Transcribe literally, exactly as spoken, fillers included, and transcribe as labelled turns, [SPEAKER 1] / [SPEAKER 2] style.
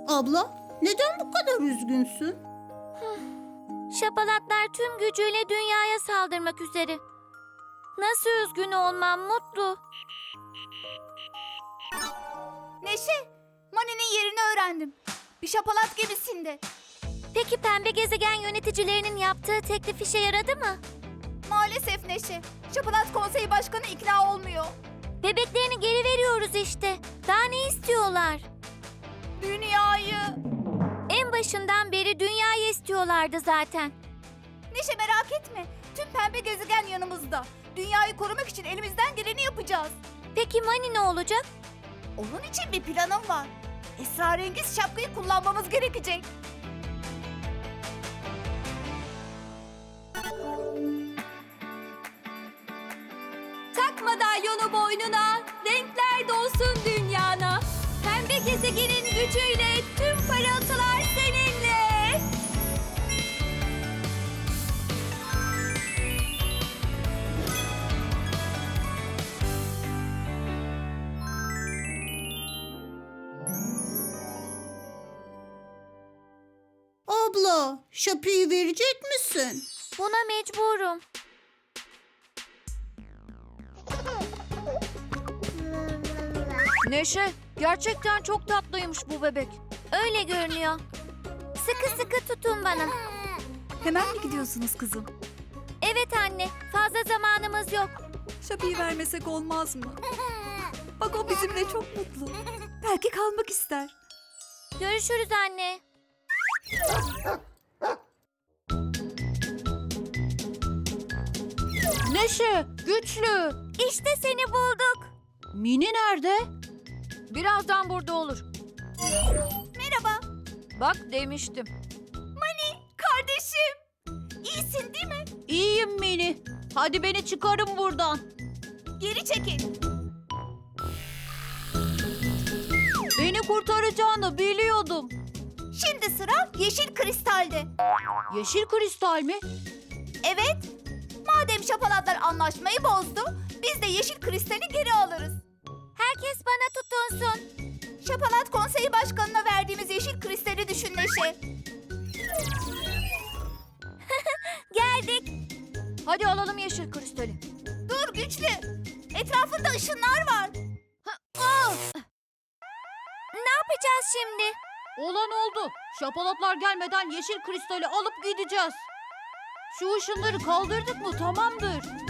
[SPEAKER 1] Abla, neden bu kadar üzgünsün?
[SPEAKER 2] Şapalatlar tüm gücüyle dünyaya saldırmak üzere. Nasıl üzgün olmam Mutlu?
[SPEAKER 3] Neşe, Mani'nin yerini öğrendim. Bir şapalat gemisinde.
[SPEAKER 2] Peki pembe gezegen yöneticilerinin yaptığı teklif işe yaradı mı?
[SPEAKER 3] Maalesef Neşe, Şapalat Konseyi Başkanı ikna olmuyor.
[SPEAKER 2] Bebeklerini geri veriyoruz işte. Daha ne istiyorlar?
[SPEAKER 3] Dünyayı.
[SPEAKER 2] En başından beri dünyayı istiyorlardı zaten.
[SPEAKER 3] Neşe merak etme, tüm pembe gezegen yanımızda. Dünyayı korumak için elimizden geleni yapacağız.
[SPEAKER 2] Peki Mani ne olacak?
[SPEAKER 3] Onun için bir planım var. Esrarengiz şapkayı kullanmamız gerekecek. Tak madalyonu boynuna, renkler dolsun dünyana. Pembe gezegenin gücüyle tüm parıltılar seninle.
[SPEAKER 1] Abla, şapıyı verecek misin?
[SPEAKER 2] Buna mecburum.
[SPEAKER 4] Neşe, gerçekten çok tatlıymış bu bebek.
[SPEAKER 2] Öyle görünüyor. Sıkı sıkı tutun bana.
[SPEAKER 5] Hemen mi gidiyorsunuz kızım?
[SPEAKER 2] Evet anne, fazla zamanımız yok.
[SPEAKER 5] Şapıyı vermesek olmaz mı? Bak o bizimle çok mutlu. Belki kalmak ister.
[SPEAKER 2] Görüşürüz anne.
[SPEAKER 4] Neşe, güçlü.
[SPEAKER 2] İşte seni bulduk.
[SPEAKER 4] Mini nerede? Birazdan burada olur.
[SPEAKER 3] Merhaba,
[SPEAKER 4] Bak demiştim.
[SPEAKER 3] kardeşim. İyisin değil mi?
[SPEAKER 4] İyiyim Mini. Hadi beni çıkarın buradan.
[SPEAKER 3] Geri çekil.
[SPEAKER 4] Beni kurtaracağını biliyordum.
[SPEAKER 3] Şimdi sıra yeşil kristalde.
[SPEAKER 4] Yeşil kristal mi?
[SPEAKER 3] Evet, madem şapalatlar anlaşmayı bozdu, biz de yeşil kristali geri alırız.
[SPEAKER 2] Herkes bana tutunsun.
[SPEAKER 3] Şapalat Konseyi Başkanı'na verdiğimiz yeşil kristali düşün Neşe.
[SPEAKER 2] Geldik.
[SPEAKER 4] Hadi alalım yeşil kristali.
[SPEAKER 3] Dur güçlü, etrafında ışınlar var.
[SPEAKER 2] Ne yapacağız şimdi?
[SPEAKER 4] Olan oldu. Şapalatlar gelmeden yeşil kristali alıp gideceğiz. Şu ışınları kaldırdık mı tamamdır.